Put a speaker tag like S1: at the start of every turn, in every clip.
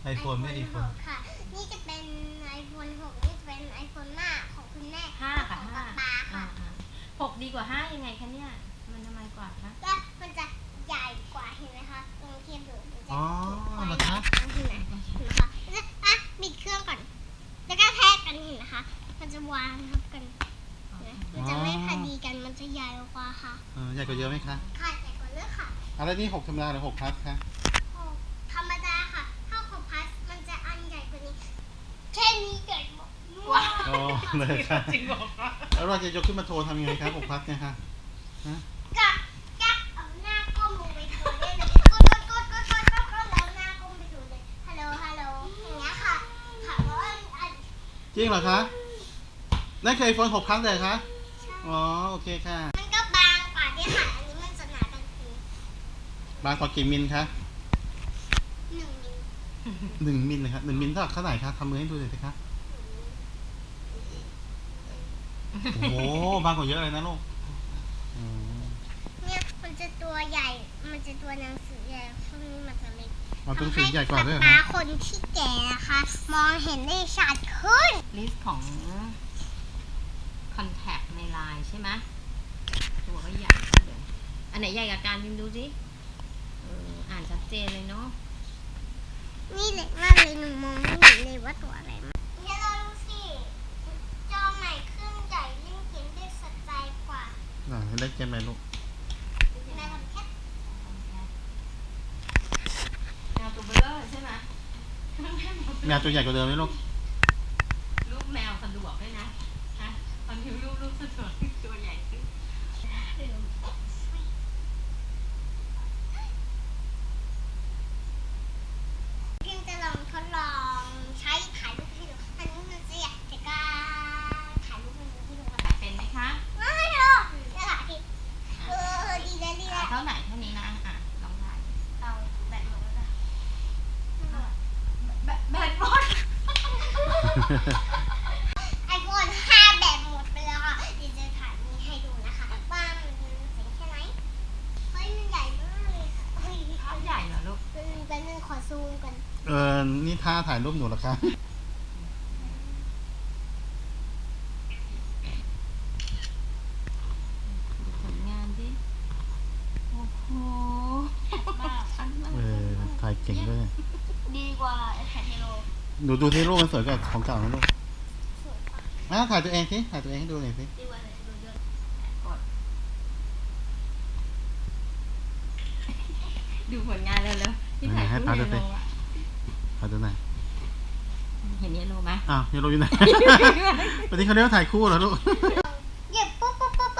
S1: iPhone ไม่ iPhone
S2: ค่ะนี่จะเป็น iPhone 6นี่จะเป็น iPhone 5ของคุณแม่
S3: 5ค่ะ
S2: ของป๊าป๊าค่ะ
S3: 6ดีกว่า5ยังไงคะเนี่ยมันทำไมกว่าคะ
S2: ก็มันจะใหญ่กว่าเห็นไหมคะลองเทียบดูมันจะ
S1: อ๋อเหรอคะ
S2: เห็นไหมคะปิดเครื่องก่อนแล้วก็แทกกันเห็นนะคะมันจะวางทับกันมันจะไม่พอดีกันมันจะใหญ่กว่าค่ะ
S1: ใหญ่กว่าเยอะไหมคะ
S2: ค่ะใหญ่กว่าเยอะค่ะ
S1: อะไรนี่6ธรรมดาหรือ6 plus คะ
S2: ธรรมดาค่ะถ้า6 plus มันจะอันใหญ่กว่านี้แค่นี้ใหญ่มาก
S1: อ๋อเลยค่ะ
S3: จริงบอกว่า
S1: แล้วเราจะยกขึ้นมาโทรทำยังไงครับ6 plus เนี่ยคะ
S2: ก็เอาหน้าก้มลงไปโทรได้เลยกดแล้วหน้าก้มไปโทรเลยฮัลโหลอย่างเงี้ยค่ะแล้ว
S1: จริงเหรอคะนั่นคือ iPhone 6 plus เลยคะอ๋อโอเคค่ะ
S2: มันก็บางกว่าที่ค่ะอันนี้มันจะหนากันคื
S1: บางกว่ากี่มิลคะ
S2: 1 มิล
S1: 1 มิลเลยครับ1 มิลเท่าไหร่คะทำมือให้ดูหน่อยสิคะโอ้โหบางกว่าเยอะเลยนะลูก
S2: เนี่ยมันจะตัวใหญ่มันจะตัวหนังสือใหญ่ช่วงนี้มันจะเล็ก
S1: ตัวหนังสือใหญ่กว่าด้วย
S2: ตาคนที่แก่นะคะมองเห็นได้ชัดขึ้น
S3: ลิสต์ของคอนแทคในไลน์ใช่ไหมตัวก็ใหญ่เลยอันไหนใหญ่กับการพิมพ์ดูสิอ่านชัดเจนเลยเนาะ
S2: นี่เล็กมากเลยหนูมองไม่เห็นเลยว่าตัวอะไรมันเดี๋ยวเราดูสิจอใหม่ขึ้นใหญ่เล่นเกมได้สะใจกว่า
S1: เล่นเกมไหมลูก
S2: แม่ทำแค่
S3: แมวตัวเบลอใช่ไหม
S1: แมวตัวใหญ่กว่าเดิมไหมลูก
S3: รูปแมวสะดวกด้วยนะตอนพิมพ์รูปสะดวกตัวใหญ่ขึ้น
S2: พิมจะลองทดลองใช้ถ่ายรูปให้ดูอันนี้มันจะอยากจะกล้าถ่ายรูปให้ดู
S3: เป็นไหมคะ
S2: ไม่หรอกจะถ่ายดิดีเลย
S3: เท่าไหนเท่านี้นะลองถ่าย
S2: เอาแบตหมดแล้ว
S3: แบตหมด
S2: iPhone 5 แบตหมดไปแล้วค่ะเดี๋ยวจะถ่ายนี้ให้ดูนะคะว่ามันเจ๋งแค่ไหนเฮ้ยมันใหญ่มากเลยค่ะ
S3: ภาพใหญ่เหรอลูก
S2: เป็นขอซูมกัน
S1: นี่ท่าถ่ายรูปหนูเหรอคะ
S3: ผลงานดิโอ้โห
S1: ถ่ายเก่งด้วย
S2: ดีกว่าถ่ายเฮโล
S1: หนูดูที่รูปมันสวยกว่าของเก่าไหมลูกถ่ายตัวเองสิถ่ายตัวเองให้ดูหน่อยสิ
S2: ดีกว่าเลยดูเยอะ
S3: ดูผลงานเร็วๆที่ถ่ายรูปเยโล
S1: ถ่ายตัวไหน
S3: เห็นเยโลไหม
S1: เยโลอยู่ไหนวันนี้เขาเรียกว่าถ่ายคู่เหรอลูก
S2: เหยียบปุ๊บ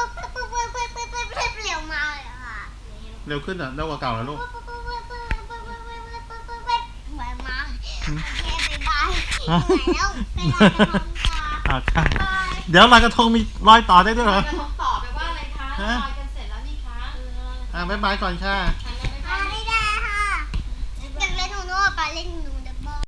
S2: เร็วมาเลยค่ะ
S1: เร็วขึ้นเร็วกว่าเก่าแล้วลูก
S2: เหมือนมาโอเคบายแล้ว
S1: เดี๋ยวลอยกระทงมีรอยต่อได้ด้วยเหรอ
S3: ลอยกระทงต่อไปว่าอะไรคะลอยกันเสร็จแล้วนี่คะ
S1: บ๊ายบายก่อนค่ะ